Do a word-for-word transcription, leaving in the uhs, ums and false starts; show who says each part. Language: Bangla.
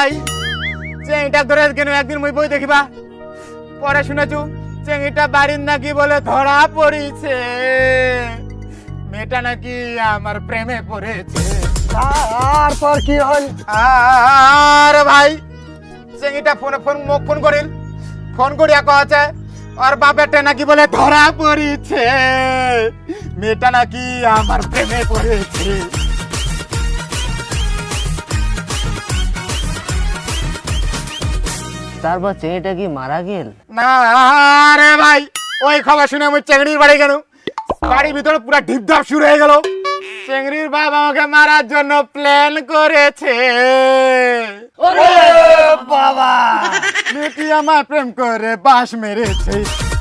Speaker 1: ভাই চেংটা ধরে কেন একদিন মুই বই দেখিবা পরে শুনেছু চেংটা বাড়ির নাকি বলে ধরা পড়িছে মেয়েটা নাকি আমার প্রেমে পড়েছে।
Speaker 2: তারপর কি হল?
Speaker 1: আর ভাই চেংটা ফোনে ফোন মুখ ফোন করিল ফোন করিয়া কছে আর বাপেরটা নাকি বলে ধরা পড়িছে মেয়েটা নাকি আমার প্রেমে পড়েছে।
Speaker 2: তারপর চেংড়িটা কি মারা গেল?
Speaker 1: না রে ভাই ওই খবর শুনে আমি চেংড়ির বাড়ি গেল বাড়ির ভিতরে পুরো ঢিপধাপ শুরু হয়ে গেল চেংড়ির বাবা আমাকে মারার জন্য প্ল্যান করেছে।
Speaker 2: বাবা
Speaker 1: মেয়েটি আমার প্রেম করে বাস মেরেছে।